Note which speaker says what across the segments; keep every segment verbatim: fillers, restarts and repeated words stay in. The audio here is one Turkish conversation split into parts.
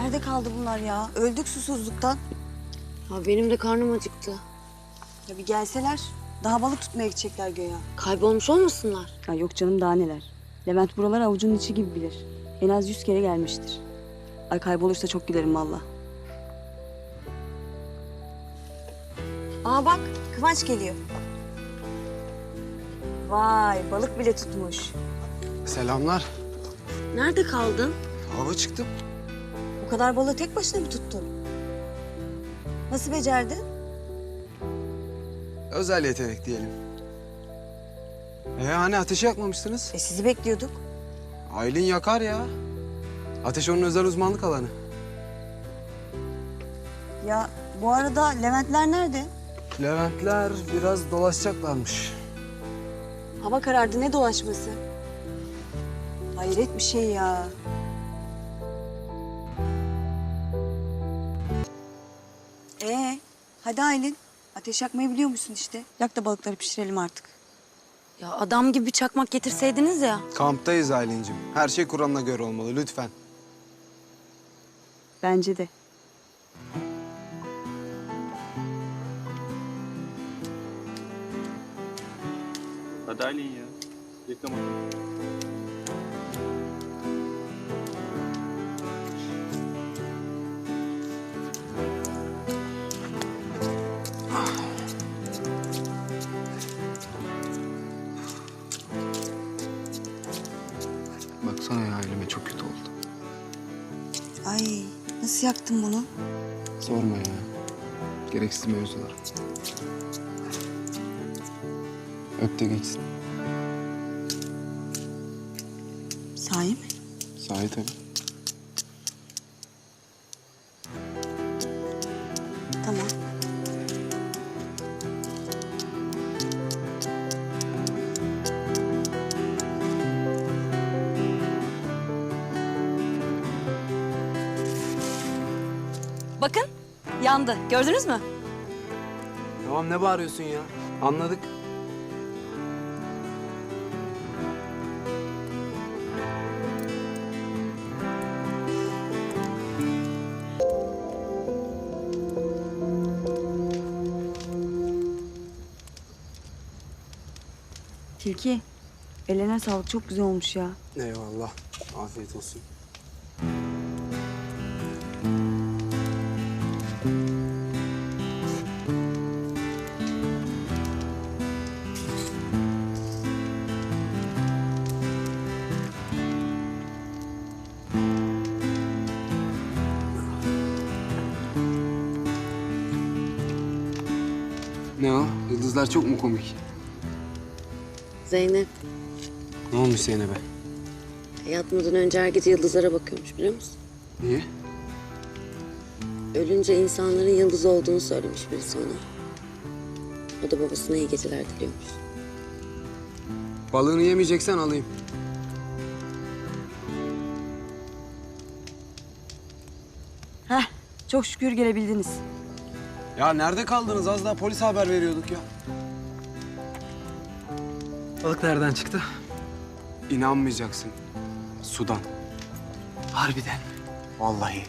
Speaker 1: nerede kaldı bunlar ya? Öldük susuzluktan.
Speaker 2: Ya benim de karnım acıktı.
Speaker 1: Ya bir gelseler. Daha balık tutmaya gidecekler göya.
Speaker 2: Kaybolmuş olmasınlar?
Speaker 1: Ya yok canım daha neler. Levent buraları avucunun içi gibi bilir. En az yüz kere gelmiştir. Ay kaybolursa çok gülerim valla. Aa bak Kıvanç geliyor. Vay balık bile tutmuş.
Speaker 3: Selamlar.
Speaker 2: Nerede kaldın?
Speaker 3: Hava çıktım.
Speaker 1: Bu kadar balığı tek başına mı tuttun? Nasıl becerdin?
Speaker 3: Özel yetenek diyelim. Ee hani ateşi yakmamışsınız?
Speaker 1: E sizi bekliyorduk.
Speaker 3: Aylin yakar ya. Ateş onun özel uzmanlık alanı.
Speaker 1: Ya bu arada Leventler nerede?
Speaker 3: Leventler biraz dolaşacaklarmış.
Speaker 1: Hava karardı ne dolaşması? Hayret bir şey ya. Ee, hadi Aylin. Ateş yakmayı biliyor musun işte? Yak da balıkları pişirelim artık.
Speaker 2: Ya adam gibi bir çakmak getirseydiniz ya.
Speaker 3: Kamptayız Aylin'cim. Her şey Kur'an'a göre olmalı lütfen.
Speaker 1: Bence de.
Speaker 4: Hadi Aylin ya. Reklam atalım.
Speaker 3: Baksana ya elime çok kötü oldu.
Speaker 1: Ay nasıl yaktın bunu?
Speaker 3: Sorma ya. Gereksiz mevzular. Öp de geçsin.
Speaker 1: Sahi mi?
Speaker 3: Sahi tabii.
Speaker 1: Tamam.
Speaker 2: Bakın yandı. Gördünüz mü?
Speaker 3: Tamam ne bağırıyorsun ya? Anladık.
Speaker 1: Tilki. Eline sağlık çok güzel olmuş ya.
Speaker 3: Eyvallah. Afiyet olsun. Ne o? Yıldızlar çok mu komik?
Speaker 2: Zeynep
Speaker 3: Ne olmuş Zeynep'e?
Speaker 2: yatmadan önce her gece yıldızlara bakıyormuş biliyor musun?
Speaker 3: Niye?
Speaker 2: Ölünce insanların yıldız olduğunu söylemiş birisi ona. O da babasına iyi geceler diliyormuş.
Speaker 3: Balığını yemeyeceksen alayım.
Speaker 1: Heh çok şükür gelebildiniz.
Speaker 3: Ya nerede kaldınız? Az daha polise haber veriyorduk ya.
Speaker 5: Balık nereden çıktı?
Speaker 3: İnanmayacaksın. Sudan.
Speaker 5: Harbiden.
Speaker 3: Vallahi.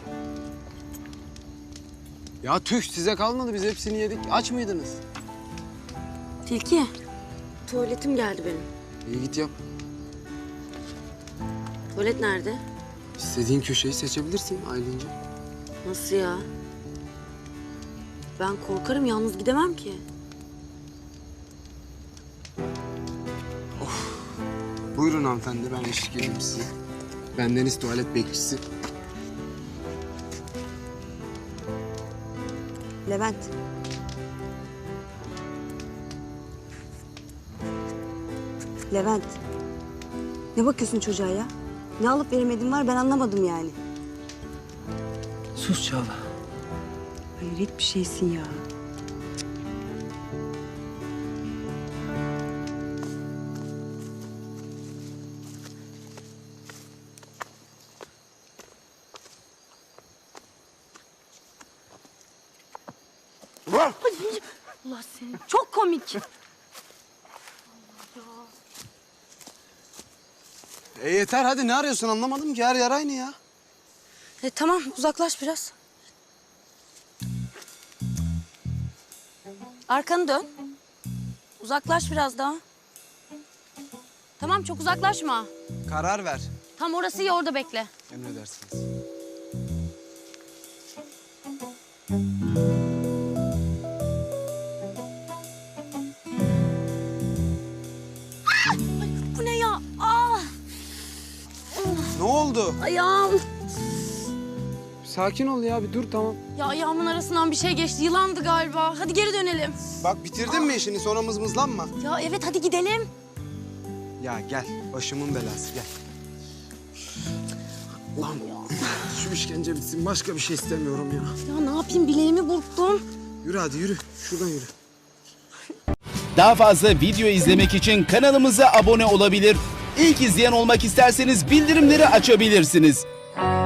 Speaker 3: Ya tüh size kalmadı. Biz hepsini yedik. Aç mıydınız?
Speaker 2: Tilki, tuvaletim geldi benim.
Speaker 3: İyi git yap.
Speaker 2: Tuvalet nerede?
Speaker 3: İstediğin köşeyi seçebilirsin Aylin'ciğim.
Speaker 2: Nasıl ya? Ben korkarım, yalnız gidemem ki.
Speaker 3: Buyurun hanımefendi. Ben eşlik edeyim size. Bendeniz tuvalet bekçisi.
Speaker 1: Levent. Levent. Ne bakıyorsun çocuğa ya? Ne alıp veremediğin var ben anlamadım yani.
Speaker 5: Sus Çağla.
Speaker 1: Hayret bir şeysin ya.
Speaker 2: Allah seni. Çok komik.
Speaker 3: E yeter hadi ne arıyorsun anlamadım ki her yer aynı ya.
Speaker 2: E, tamam uzaklaş biraz. Arkanı dön. Uzaklaş biraz daha. Tamam çok uzaklaşma.
Speaker 3: Karar ver.
Speaker 2: Tam orası iyi, orada bekle.
Speaker 3: Emredersiniz.
Speaker 2: Bu ne ya? Ah,
Speaker 3: Ne oldu?
Speaker 2: ayağım.
Speaker 3: Sakin ol ya bir dur tamam.
Speaker 2: Ya ayağımın arasından bir şey geçti. Yılandı galiba. Hadi geri dönelim.
Speaker 3: Bak bitirdin mi işini sonra mızmızlanma.
Speaker 2: Ya evet hadi gidelim.
Speaker 3: Ya gel başımın belası gel. Lan şu işkence bitsin başka bir şey istemiyorum ya.
Speaker 2: Ya ne yapayım, bileğimi burktum.
Speaker 3: Yürü hadi yürü şuradan yürü.
Speaker 6: Daha fazla video izlemek için kanalımıza abone olabilir. İlk izleyen olmak isterseniz bildirimleri açabilirsiniz.